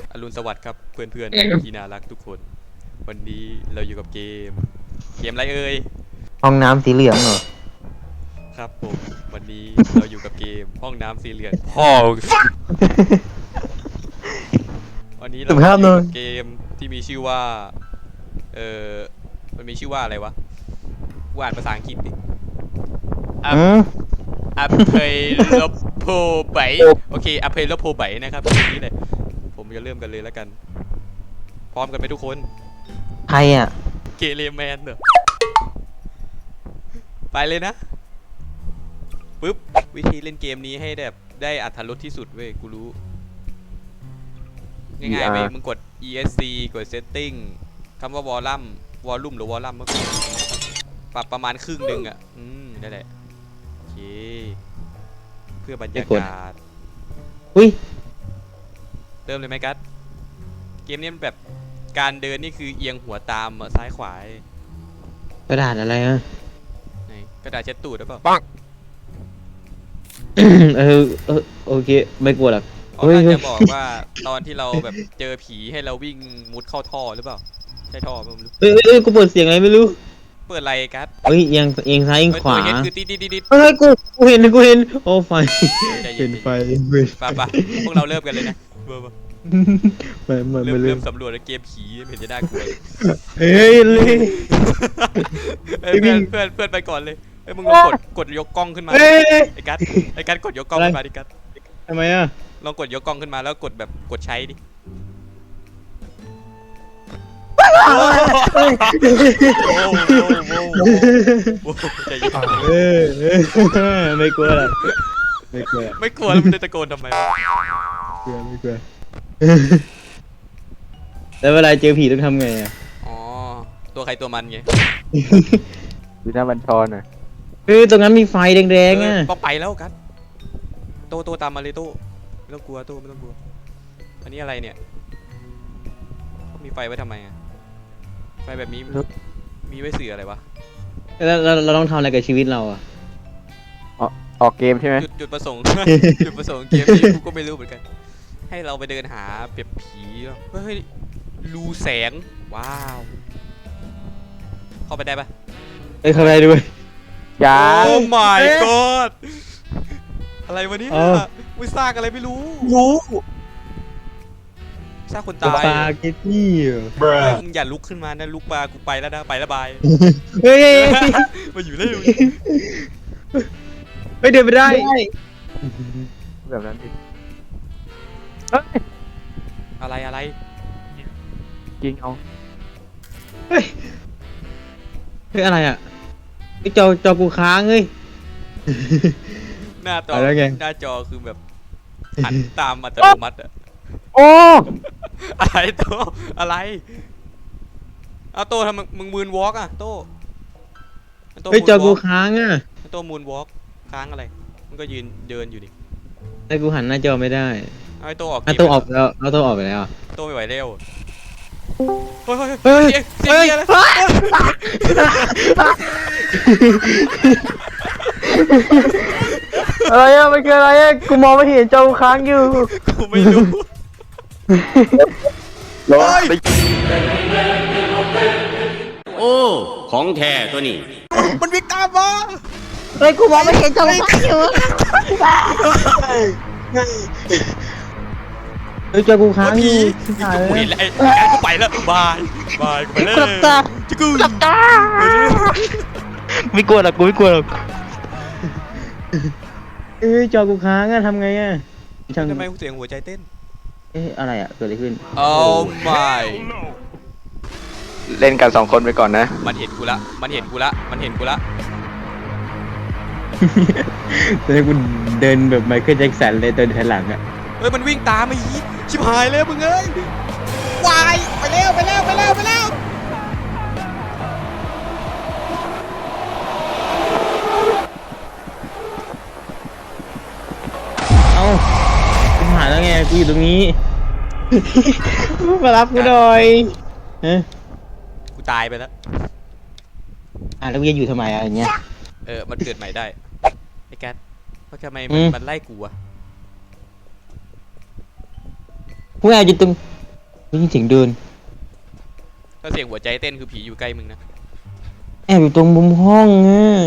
อรุณสวัสดิ์ครับเพื่อนๆที่น่ารักทุกคนวันนี้เราอยู่กับเกมอะไรเอ่ยห้องน้ำสีเหลืองเหรอครับผมวันนี้เราอยู่กับเกมห้องน้ำสีเหลืองพ่อวันนี้เราอยู่กับเกมที่มีชื่อว่าเออมันมีชื่อว่าอะไรวะกูอ่านภาษาอังกฤษดิอัพอัพเพย์ลบโพไบโอเคอัพเพย์ลบโพไบนะครับทีนี้เลยผมจะเริ่มกันเลยแล้วกันพร้อมกันไหมทุกคนใครอ่ะเกเรแมนเหรอไปเลยนะปึ๊บวิธีเล่นเกมนี้ให้แบบได้อรรถรสที่สุดเว้ยกูรู้ง่ายๆเว้ยมึงกด ESC กด Setting คำว่าวอลลุ่มหรือวอลลัมเมื่อกี้ปรับประมาณครึ่งหนึ่งอ่ะนั่นแหละโอเคเพื่อบรรยากาศอุ้ยเริ่มเลยไหมกัสเกมนี้มันแบบการเดินนี่คือเอียงหัวตามซ้ายขวากระดาษอะไรอ่ะไหนกระดาษเช็ดตูดหรือเปล่าโอเคไม่กลัวหรอกเขาน่าจะบอกว่าตอนที่เราแบบเจอผีให้เราวิ่งมุดเข้าท่อหรือเปล่าใช่ท่อไม่รู้กูเปิดเสียงอะไรไม่รู้เปิดอะไรกัสเฮ้ยเอียงซ้ายเอียงขวาเห็นคือติดเฮ้ยกูเห็นโอ้ไฟเห็นไฟป่ะพวกเราเริ่มกันเลยนะเริ่มสำรวจเกมผีไม่เห็นจะน่ากลัวเฮ้ยเลยเพื่อนไปก่อนเลยเฮ้ยมึงลองกดยกกล้องขึ้นมาไอ้กัสกดยกกล้องขึ้นมาดิกัสทำไมอ่ะลองกดยกกล้องขึ้นมาแล้วกดแบบกดใช้ดิไม่กลัวหรอกไม่กลัวแล้วมันจะตะโกนทำไมไม่กลัวแล้วเวลาเจอผีต้องทำไงอ่ะอ๋อตัวใครตัวมันไงดูหน้าบัญชรอ่ะตรงนั้นมีไฟแดงๆอ่ะต้องไปแล้วกันโตตามมาเลยโตไม่ต้องกลัวโตไม่ต้องกลัวอันนี้อะไรเนี่ยมีไฟไว้ทำไมอ่ะไฟแบบนี้มีไว้สื่ออะไรวะแล้วเราต้องทำอะไรกับชีวิตเราอ่ะออกเกมใช่ไหมจุดประสงค์จุดประสงค์เกมนี้กูก็ไม่รู้เหมือนกันให้เราไปเดินหาเปียบผีเฮ้ยรูแสงว้าวเข้าไปได้ปะเข้าไปด้วยอย่าโอ้ my god อะไรวะเนี่ยมึงสร้างอะไรไม่รู้สร้างคนตายสปาเกตตี้มึงอย่าลุกขึ้นมานะลุกมากูไปแล้วนะไปแล้วบายเฮ้ยมาอยู่ได้ไม่เดินไปได้แบบนั้นดิอะไรยิงเอาเฮ้ยอะไรอ่ะไอ้จอกูค้างเฮ้ยหน้าจอคือแบบหันตามอัตโนมัติอะโอ้อะไรโตอะไรเอาโตทำมึงมูนวอล์กอะโตไอ้จอกูค้างอ่ะโตมูนวอล์กค้างอะไรมันก็ยืนเดินอยู่ดิไอ้กูหันหน้าจอไม่ได้ไอ้โตออกตัวออกแล้วตัวออกไปแล้วโตไม่ไหวเร็วเฮ้ยเสียอะไรอ่ะมันคืออะไรอ่ะกูมองไม่เห็นจอค้างอยู่กูไม่รู้โอ้ของแท้ตัวนี้มันวิ่งตามมาเฮ้ยกูมองไม่เห็นจอค้างอยู่เฮ้ยจอกูค้างอยู่กูเห็นแล้วกูไปแล้วบายกูไปแล้วจิกูหลับตาไม่กลัวหรอกกูไม่กลัวหรอกจอกูค้างอะทำไงอะทำไมกูเสียงหัวใจเต้นอะไรอะเกิดอะไรขึ้นโอ้ my เล่นกัน2 คนไปก่อนนะมันเห็นกูละตอนนี้กูเดินแบบไมเคิลแจ็คสันเลยเดินถอยหลังอะเฮ้ยมันวิ่งตามมาอีชิบหายแล้วมึงเอ้ยวายไปแล้วกูหายแล้วไงกูอยู่ตรงนี้มารับกูหน่อยกูตายไปแล้วแล้วกูจะอยู่ทำไมอะไรเงี้ยมันเกิดใหม่ได้ไอ้แกทำไมมันไล่กูอะกูอยากอยู่ตรงได้ยินเสียงเดินถ้าเสียงหัวใจเต้นคือผีอยู่ใกล้มึงนะแอบอยู่ตรงมุมห้องอ่ะ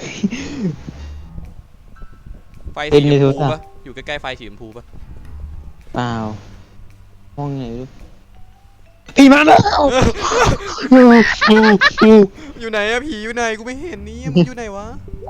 ไฟเต้สีนชในมโทรพูศัพท์ปะอยู่ใกล้ๆไฟสีชมพูปะเปล่าห้องไหนดูผีมาแล้วอยู่ไหนอะผีอยู่ไหนกูไม่เห็นนี่มันอยู่ไหนวะ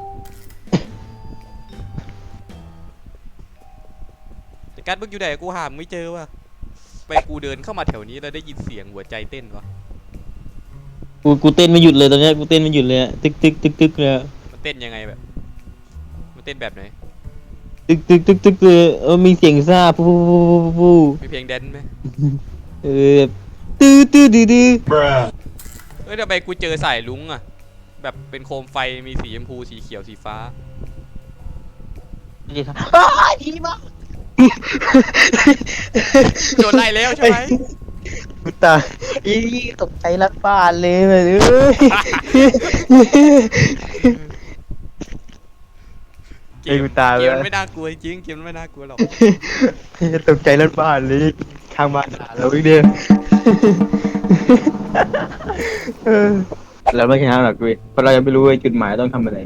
แต่การมึงอยู่ไหนกูหามึงไม่เจอว่ะไปกูเดินเข้ามาแถวนี้แล้วได้ยินเสียงหัวใจเต้นวะกูเต้นไม่หยุดเลยตอนเนี้ยกูเต้นไม่หยุดเลยอะตึกตึกตึกตึกเลยอะมันเต้นยังไงแบบมันเต้นแบบไหนตึกตึกตึกตึกเลยมีเสียงซ่าปูปูปูปูปูมีเพลงแดนซ์ไหมเออตื้อตื้อดื้อดื้อเอ้ยทำไมกูเจอสายลุงอะแบบเป็นโคมไฟมีสีชมพูสีเขียวสีฟ้าดีครับอ้าวดีมากโดนไล่แล้วใช่ไหมกูตายอีตกใจรักบ้านเลยแบบเอ้ยเกไอ้มกูตายเกแล้มวมันไม่น่ากลัวจริงเกมมันไม่น่ากลัวหรอกตกใจรักบ้านเลยข้างบ้านด่าเราอีกเดียวเราไม่ชนะหรอกเว้ยเพราะเรายังไม่รู้ว่าจุดหมายต้องทำอะไร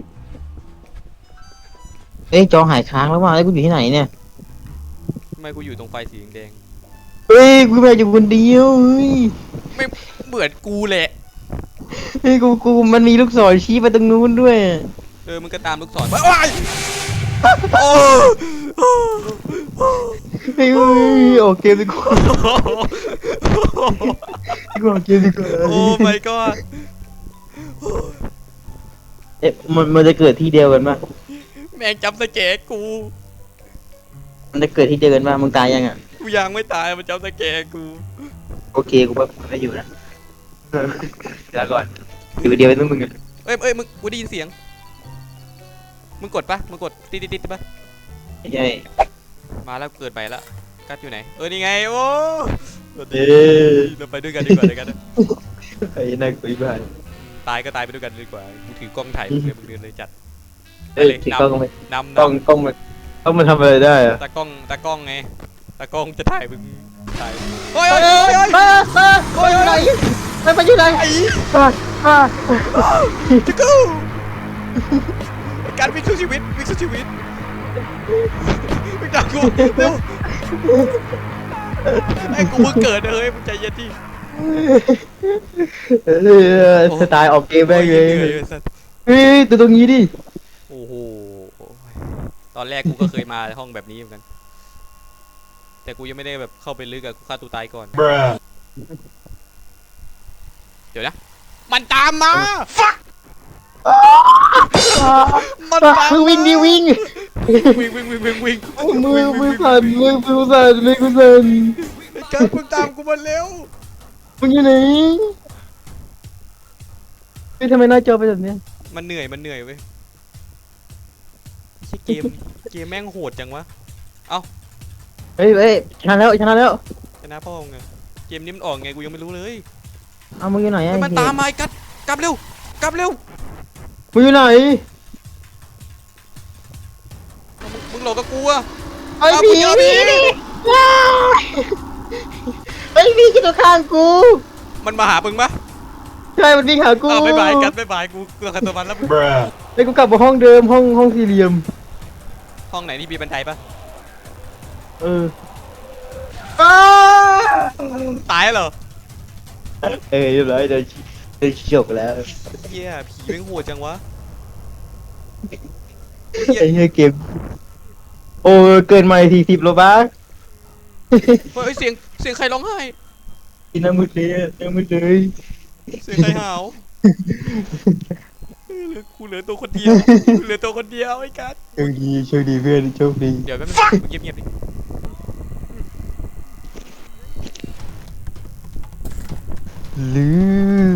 เอ้ยจอหายค้างแล้วว่ะแล้วกูอยู่ที่ไหนเนี่ยทำไมกูอยู่ตรงไฟสีแดงเฮ้ยกูไปอยู่คนเดียวเฮ้ยๆไม่เหมือนกูแหละเฮ้ยกูมันมีลูกศรชี้ไปตรงนู้นด้วยมึงก็ตามลูกศรไปว้ายโอ้เฮ้ยออกเกมดีกว่ากูออกเกมดีกว่าโอ้ my god เอ๊ะมันจะเกิดที่เดียวกันปะแม่งจำสแกร์กูมันจะเกิดที่เดียวกันปะมึงตายยังอ่ะกูยังไม่ตายมันจำสแกร์กูโอเคกูไม่อยู่นะเดี๋ยวก่อนอยู่เดียวเป็นมึงอ่ะเอ้ยมึงกูได้ยินเสียงมึงกดปะมึงกดติดปะไม่ใช่มาแล้วเกิดใหม่ละกัดอยู่ไหนนี่ไงโอ้เอ๊ะเราไปด้วยกันดีกว่าเลยกันนะไอ้นักคุยบ้านตายก็ตายไปด้วยกันดีกว่ากูถือกล้องถ่ายมึงเลยมึงเดินเลยจัดเอ้ยถือกล้องไปนำกล้องมันต้องมาทำอะไรได้อะตากล้องไงตากล้องจะถ่ายมึงถ่ายโอ้ยโอ้ยโอ้ยโอ้ยมาอยู่ไหนมันอยู่ไหนไอ้ จะกูการวิ่งสู้ชีวิตวิ่งสู้ชีวิตวิ่งตามกูเร็วไอ้กูเพิ่งเกิดนะเฮ้ยมึงใจเย็นดิสไตล์ออกเกมแม่งเลยหนื่อสัสเฮ้ยตัวตรงนี้ดิโอ้โหตอนแรกกูก็เคยมาห้องแบบนี้เหมือนกันแต่กูยังไม่ได้แบบเข้าไปลึกอะกูฆ่าตัวตายก่อนเดี๋ยวนะมันตามมามันตามมึงวิ่งดิวิ่งวิ่งมือสั่นมือสั่นมือสั่นไอ้การมึงตามกูมาเร็วมึงอยู่ไหนเฮ้ยทำไมหน้าจอเป็นแบบเนี้ยมันเหนื่อยเว้ยไม่ใช่เกมแม่งโหดจังวะเฮ้ยชนะแล้วชนะแล้วชนะพ่อมึงไงเกมนี้มันออกไงกูยังไม่รู้เลยเอามึงอยู่ไหนเฮ้ยมันตามมาไอ้กัดกลับเร็วมึงอยู่ไหนมึงหลอกกับกูอะไอ้ผีไอ้ผีที่ตัวข้างกูมันมาหามึงปะใช่มันวิ่งหากูบ๊ายบายกัดบ๊ายบายกูขัดตัวมันแล้วมึงไอ้กูกลับมาห้องเดิมห้องสี่เหลี่ยมห้องไหนที่มีบันไดปะเออตายเหรอเรียบร้อยเดินจบแล้วเฮียผีแม่งโหดจังวะไอ้เหี้ยเกมโอ้เกินใหม่40โลบัคเฮ้ยเสียงใครร้องไห้กินน้ำมืดเลยน้ำมืดเลยเสียงใครหาวกูเหลือตัวคนเดียวไอ้กัดโชคดีเพื่อนโชคดีเดี๋ยวแป๊บนึงเงียบดิลืม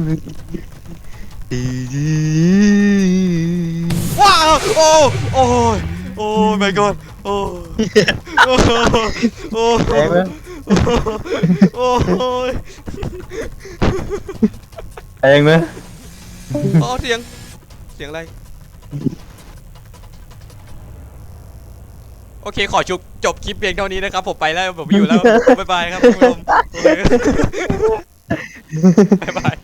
ว้าวโอ้ my god โอ้แรงไหมโอ้ยแรงไหมเสียงอะไรโอเคขอจบคลิปเพียงเท่านี้นะครับผมไปแล้วผมอยู่แล้วบ๊ายบายครับคุณผู้ชมบ๊ายบาย